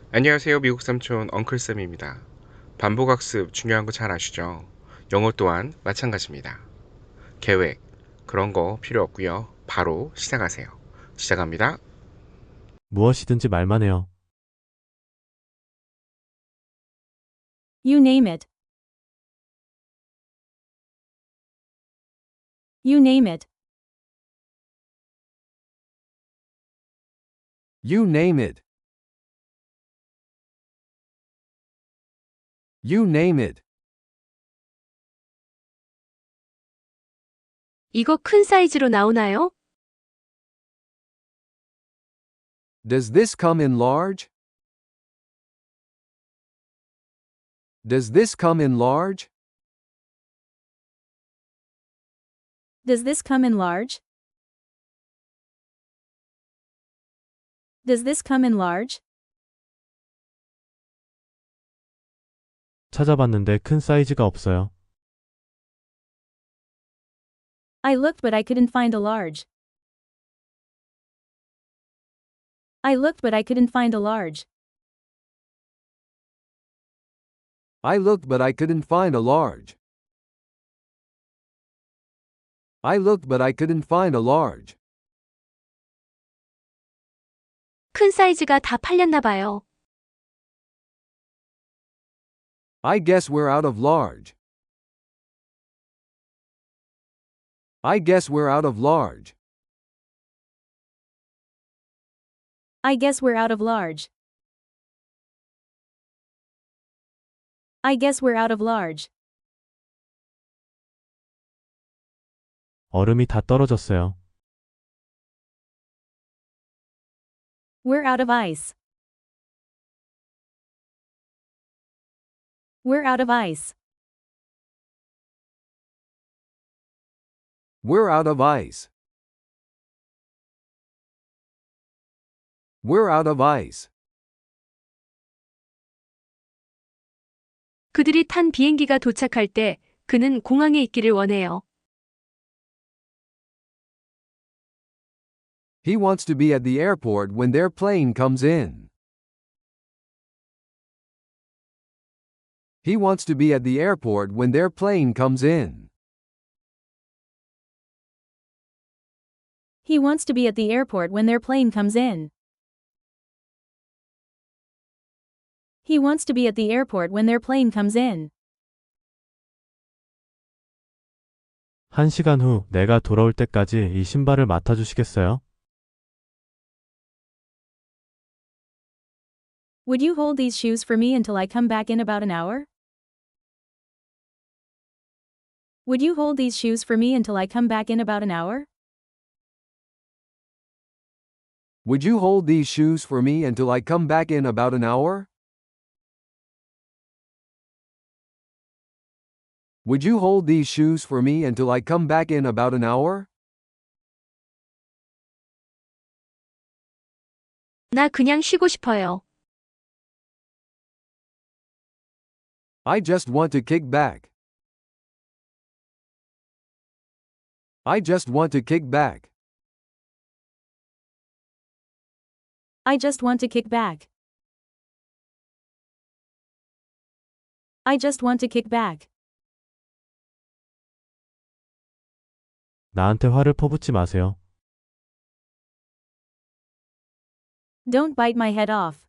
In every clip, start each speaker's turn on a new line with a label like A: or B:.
A: 안녕하세요. 미국 삼촌 엉클쌤입니다. 반복학습 중요한 거 잘 아시죠? 영어 또한 마찬가지입니다. 계획, 그런 거 필요 없고요. 바로 시작하세요. 시작합니다.
B: 무엇이든지 말만 해요.
C: You name it. You name it.
D: You name it. You name it.
E: 이거 큰 사이즈로 나오나요?
D: Does this come in large? Does this come in large?
C: Does this come in large? Does this come in large?
B: 찾아봤는데 큰 사이즈가 없어요.
C: I looked but I couldn't find a large. I looked but I couldn't find a large.
D: I looked but I couldn't find a large. I looked but I couldn't find a large.
E: 큰 사이즈가 다 팔렸나 봐요.
D: I guess we're out of large. I guess we're out of large.
C: I guess we're out of large. I guess we're out of large.
B: 얼음이 다 떨어졌어요.
C: We're out of ice. We're out of ice.
D: We're out of ice. We're out of ice.
E: 그들이 탄 비행기가 도착할 때 그는 공항에 있기를 원해요.
D: He wants to be at the airport when their plane comes in. He wants to be at the airport when their plane comes in.
C: He wants to be at the airport when their plane comes in. He wants to be at the airport when their plane comes in.
B: 1시간 후 내가 돌아올 때까지 이 신발을 맡아주시겠어요?
C: Would you hold these shoes for me until I come back in about an hour? Would you hold these shoes for me until I come back in about an hour?
D: Would you hold these shoes for me until I come back in about an hour? Would you hold these shoes for me until I come back in about an hour?
E: 나 그냥 쉬고 싶어요.
D: I just want to kick back. I just want to kick back.
C: I just want to kick back. I just want to kick back.
B: 나한테 화를 퍼붓지 마세요.
C: Don't bite my head off.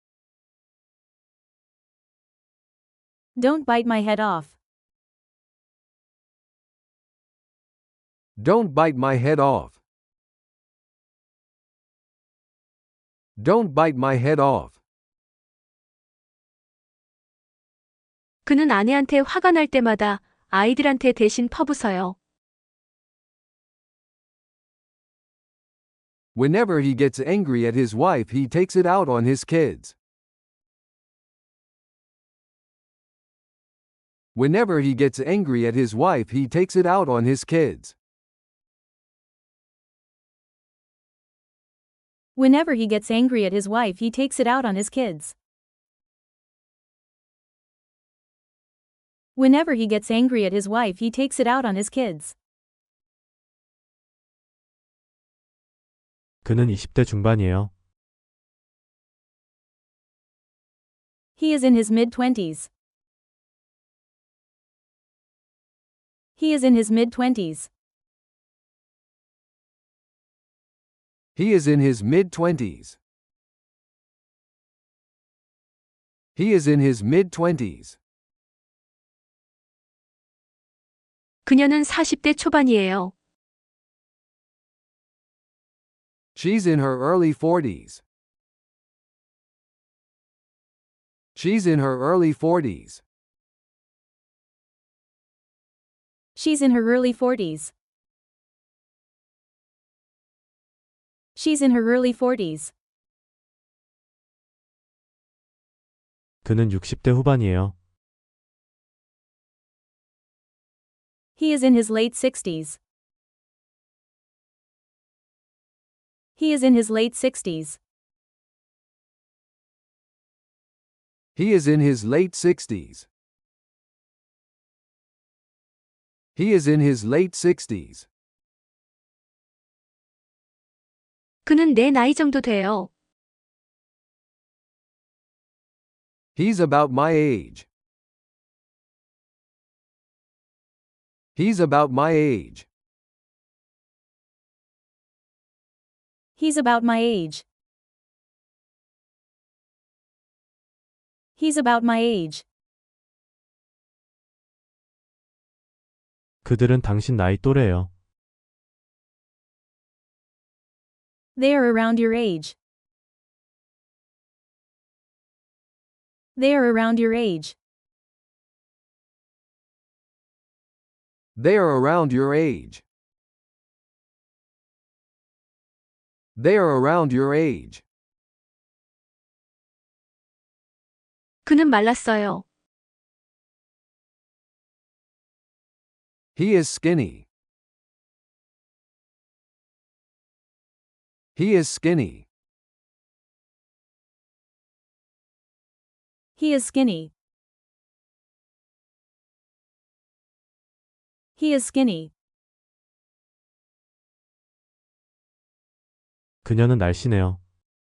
C: Don't bite my head off.
D: Don't bite my head off. Don't bite my head off.
E: 그는 아내한테 화가 날 때마다 아이들한테 대신 퍼부어요.
D: Whenever he gets angry at his wife, he takes it out on his kids. Whenever he gets angry at his wife, he takes it out on his kids.
C: Whenever he gets angry at his wife, he takes it out on his kids. Whenever he gets angry at his wife, he takes it out on his kids.
B: 그는 20대 중반이에요.
C: He is in his mid-twenties. He is in his mid-twenties.
D: He is in his mid-twenties. He is in his mid-twenties.
E: 그녀는 40대 초반이에요.
D: She's in her early 40s. She's in her early 40s.
C: She's in her early 40s. She's in her early 40s.
B: 그는 60대 후반이에요.
C: He is in his late 60s. He is in his late 60s.
D: He is in his late 60s. He is in his late 60s.
E: 그는 내 나이 정도 돼요.
D: He's about my age. He's about my age.
C: He's about my age. He's about my age.
B: 그들은 당신 나이 또래예요.
C: They are around your age. They are around your age.
D: They are around your age. They are around your age.
E: 그는 말랐어요.
D: He is skinny. He is skinny.
C: He is skinny. He is skinny.
B: 그녀는 날씬해요.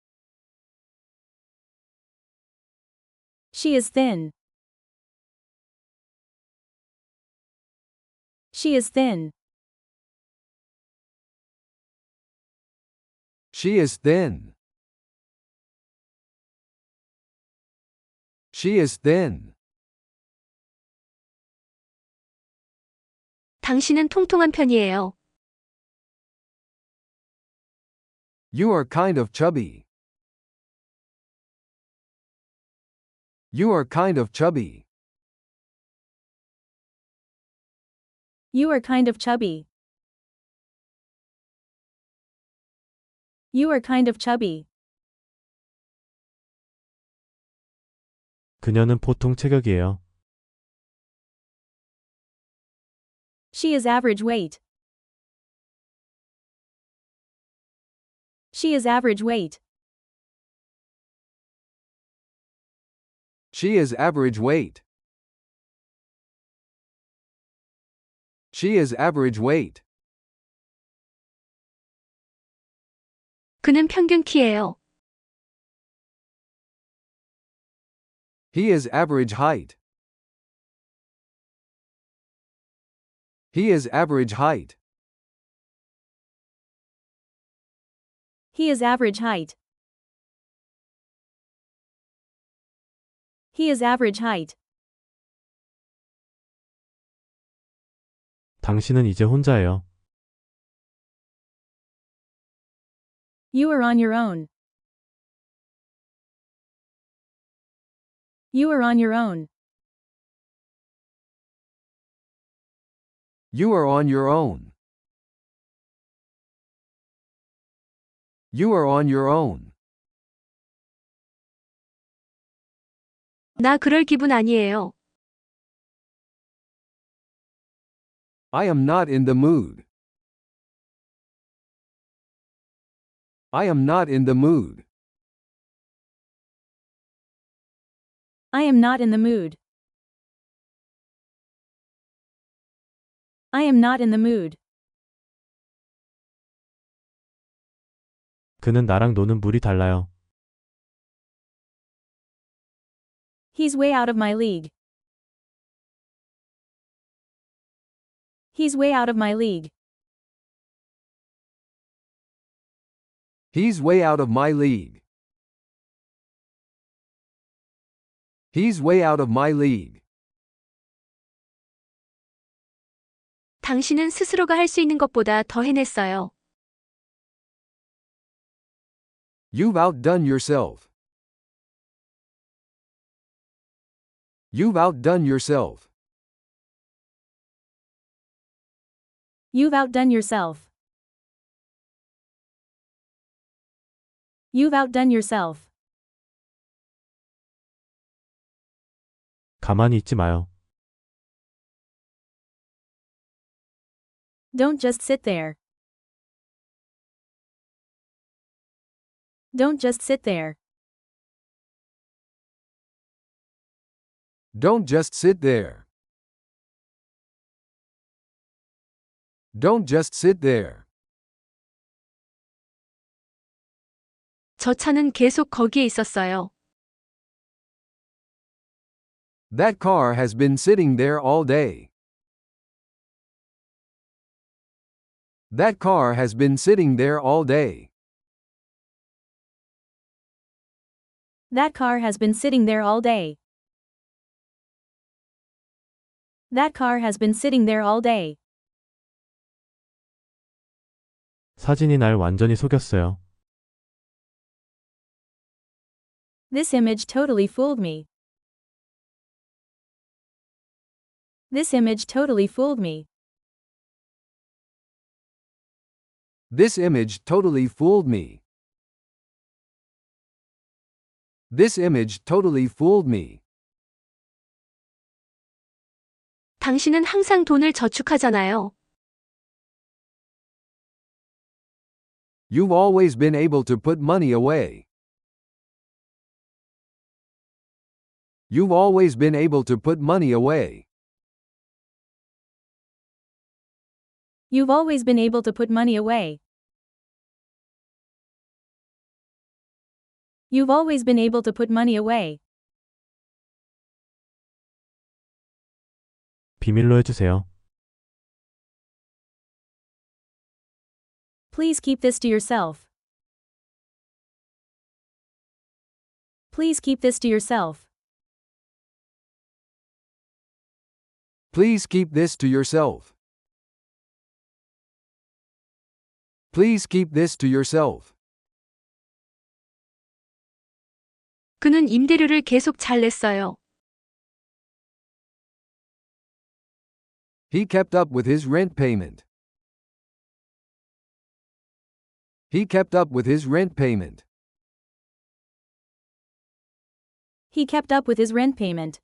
C: She is thin. She is thin.
D: She is thin. She is thin.
E: 당신은 통통한 편이에요.
D: You are kind of chubby. You are kind of chubby.
C: You are kind of chubby. You are kind of chubby.
B: 그녀는 보통 체격이에요.
C: She is average weight. She is average weight.
D: She is average weight. She is average weight.
E: 그는 평균 키예요.
D: He is average height. He is average height.
C: He is average height. He is average height.
B: 당신은 이제 혼자예요.
C: You are on your own. You are on your own.
D: You are on your own. You are on your own.
E: 나 그럴 기분 아니에요.
D: I am not in the mood. I am not in the mood.
C: I am not in the mood. I am not in the mood.
B: 그는 나랑 노는 물이 달라요.
C: He's way out of my league. He's way out of my league.
D: He's way out of my league. He's way out of my league.
E: 당신은 스스로가 할 수 있는 것보다 더 해냈어요.
D: You've outdone yourself. You've outdone yourself.
C: You've outdone yourself. You've outdone yourself.
B: 가만히 있지 마요.
C: Don't just sit there. Don't just sit there.
D: Don't just sit there. Don't just sit there.
E: 저 차는 계속 거기에 있었어요.
D: That car has been sitting there all day. That car has been sitting there all day.
C: That car has been sitting there all day. That car has been sitting there all day.
B: 사진이 날 완전히 속였어요.
C: This image totally fooled me. This image totally fooled me.
D: This image totally fooled me. This image totally fooled me.
E: 당신은 항상 돈을 저축하잖아요.
D: You've always been able to put money away. You've always been able to put money away.
C: You've always been able to put money away. You've always been able to put money away.
B: 비밀로 해주세요.
C: Please keep this to yourself. Please keep this to yourself.
D: Please keep this to yourself. Please keep this to yourself.
E: 그는 임대료를 계속 잘 냈어요.
D: He kept up with his rent payment. He kept up with his rent payment.
C: He kept up with his rent payment.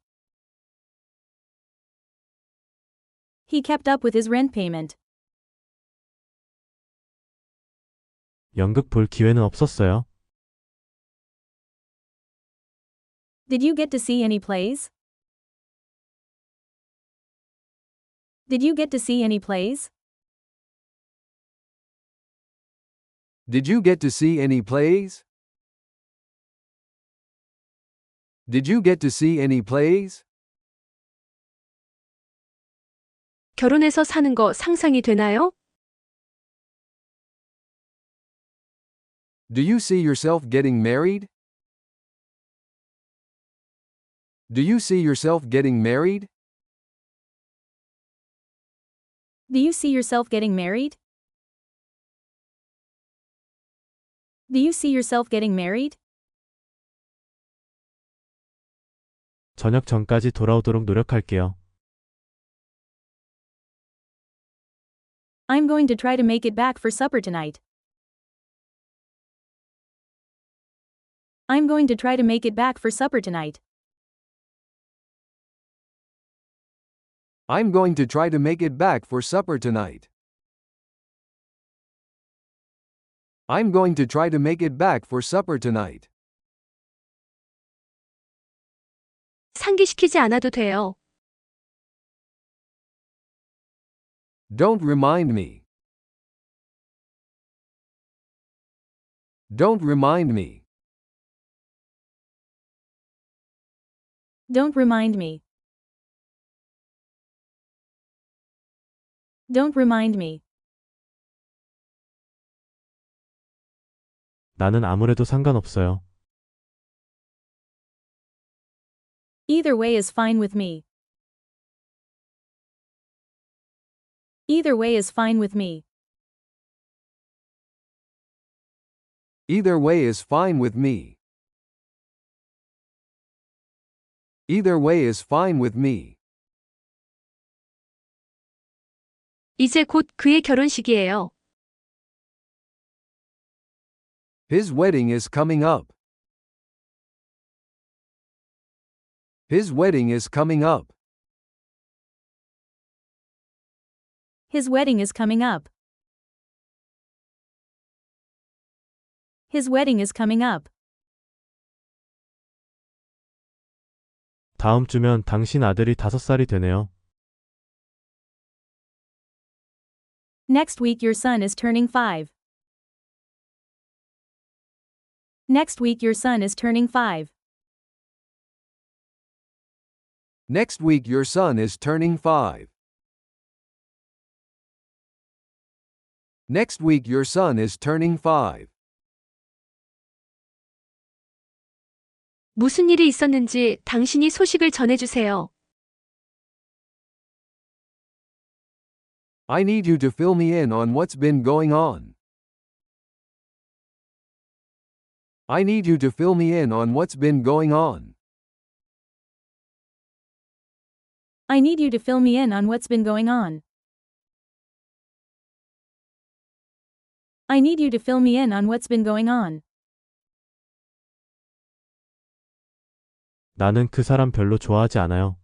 C: He kept up with his rent payment.
B: 연극 볼 기회는 없었어요.
C: Did you get to see any plays? Did you get to see any plays?
D: Did you get to see any plays? Did you get to see any plays?
E: 결혼해서 사는 거 상상이 되나요?
D: Do you see yourself getting married? Do you see yourself getting married?
C: Do you see yourself getting married? Do you see yourself getting married?
B: 저녁 전까지 돌아오도록 노력할게요.
C: I'm going to try to make it back for supper tonight. I'm going to try to make it back for supper tonight.
D: I'm going to try to make it back for supper tonight. I'm going to try to make it back for supper tonight.
E: 상기시키지 않아도 돼요.
D: Don't remind me. Don't remind me.
C: Don't remind me. Don't remind me.
B: 나는 아무래도 상관없어요.
C: Either way is fine with me. Either way is fine with me.
D: Either way is fine with me. Either way is fine with me.
E: 이제 곧 그의 결혼식이에요.
D: His wedding is coming up. His wedding is coming up.
C: His wedding is coming up. His wedding is coming up.
B: 다음 주면 당신 아들이 5살이 되네요.
C: Next week your son is turning 5. Next week your son is turning 5.
D: Next week your son is turning 5. Next week your son is turning 5.
E: 무슨 일이 있었는지 당신이 소식을 전해주세요.
D: I need you to fill me in on what's been going on. I need you to fill me in on what's been going on.
C: I need you to fill me in on what's been going on. I need you to fill me in on what's been going on.
B: 나는 그 사람 별로 좋아하지 않아요.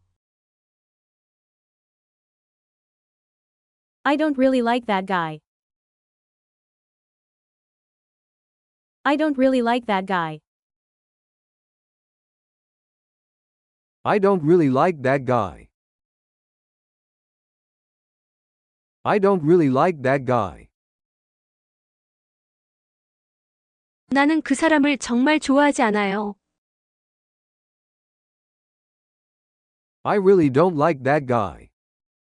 C: I don't really like that guy. I don't really like that guy.
D: I don't really like that guy. I don't really like that guy.
E: 나는 그 사람을 정말 좋아하지 않아요.
D: I really don't like that guy.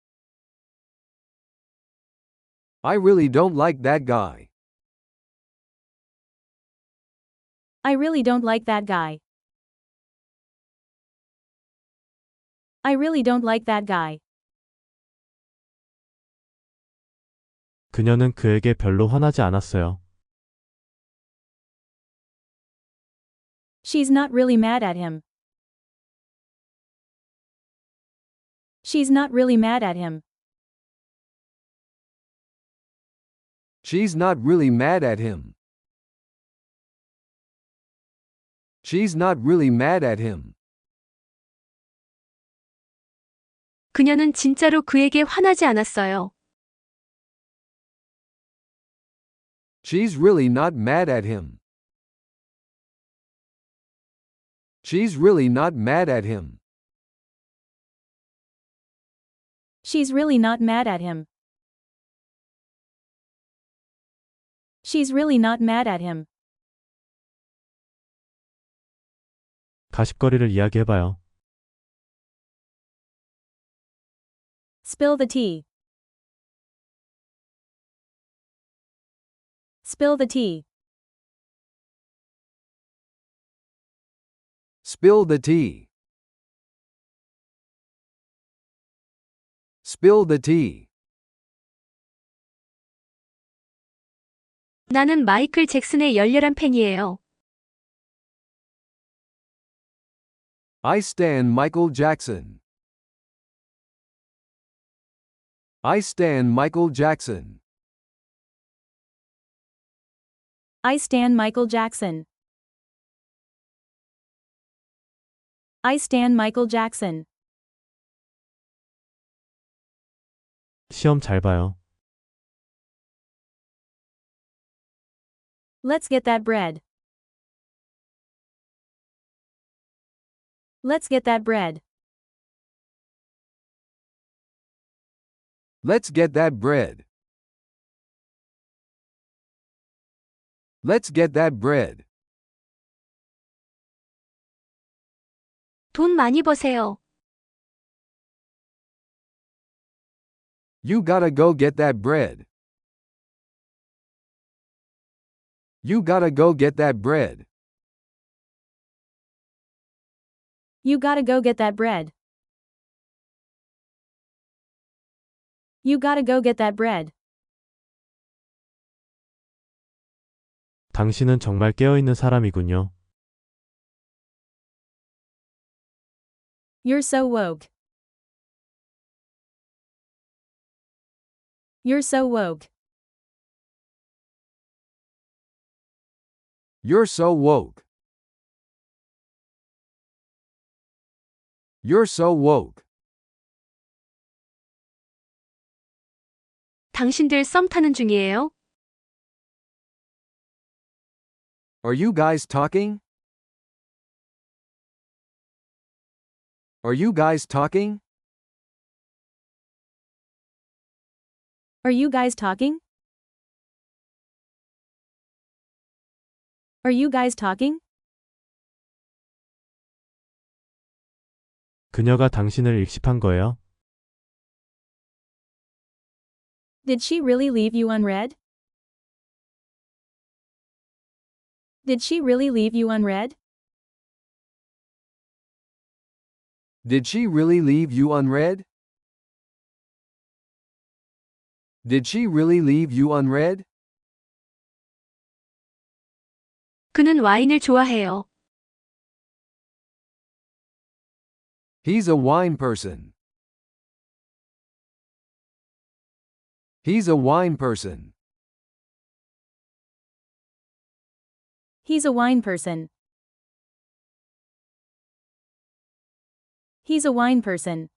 D: I really don't like that guy.
C: I really don't like that guy. I really don't like that guy.
B: 그녀는 그에게 별로 화나지 않았어요.
C: She's not really mad at him. She's not really mad at him.
D: She's not really mad at him. She's not really mad at him.
E: 그녀는 진짜로 그에게 화나지 않았어요.
D: She's really not mad at him. She's really not mad at him.
C: She's really not mad at him. She's really not mad at him.
B: 가십거리를 이야기해봐요.
C: Spill the tea. Spill the tea.
D: Spill the tea. Spill the tea.
E: 나는 마이클 잭슨의 열렬한 팬이에요.
D: I stan Michael Jackson. I stan Michael Jackson.
C: I stand Michael Jackson. I stand Michael Jackson.
B: 시험 잘 봐요.
C: Let's get that bread. Let's get that bread.
D: Let's get that bread. Let's get that bread.
E: 돈 많이 버세요.
D: You gotta go get that bread. You gotta go get that bread.
C: You gotta go get that bread. You gotta go get that bread.
B: 당신은 정말 깨어있는 사람이군요.
C: You're so woke. You're so woke.
D: You're so woke. You're so woke.
E: 당신들 썸 타는 중이에요?
D: Are you guys talking? Are you guys talking?
C: Are you guys talking? Are you guys talking?
B: 그녀가 당신을 익십한 거예요?
C: Did she really leave you unread? Did she really leave you unread?
D: Did she really leave you unread? Did she really leave you unread?
E: 그는 와인을 좋아해요.
D: He's a wine person. He's a wine person.
C: He's a wine person. He's a wine person.